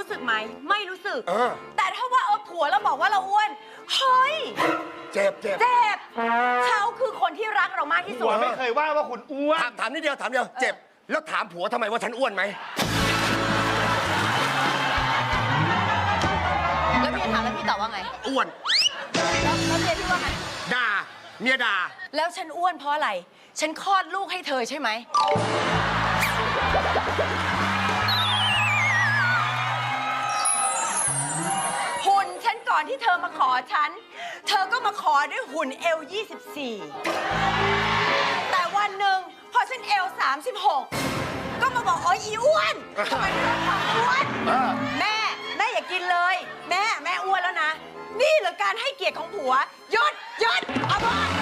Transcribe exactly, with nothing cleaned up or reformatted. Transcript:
รู้สึกไหมไม่รู้สึกเออแต่ถ้าว่าเออผัวเราบอกว่าเราอ้วนเฮ้ยเจ็บเจ็บเจ็บเขาคือคนที่รักเรามากที่สุผัดวไม่เคยว่าว่าคุณอ้วนถามถามนิดเดียวถามเดียวเจ็บแล้วถามผัวทำไมว่าฉันอ้วนไหมแล้วพี่ถามแล้วพี่ตอบว่าไงอ้วนแล้วแล้วเมียพี่ว่าไงด่าเมียด่าแล้วฉันอ้วนเพราะอะไรฉันคลอดลูกให้เธอใช่ไหมหุ่นฉันก่อนที่เธอมาขอฉัน เธอก็มาขอด้วยหุ่นเอลยี่สิบสี่แต่วันหนึ่งพอฉันเอลสามสิบหกก็มาบอกโอ้ยอีอ้วนทำไมถึงความอ้วนเออแม่แม่อย่ากินเลย แม่แม่อ้วนแล้วนะ นี่เหรอการให้เกียรติของผัวหยุดหยุดเอาบอก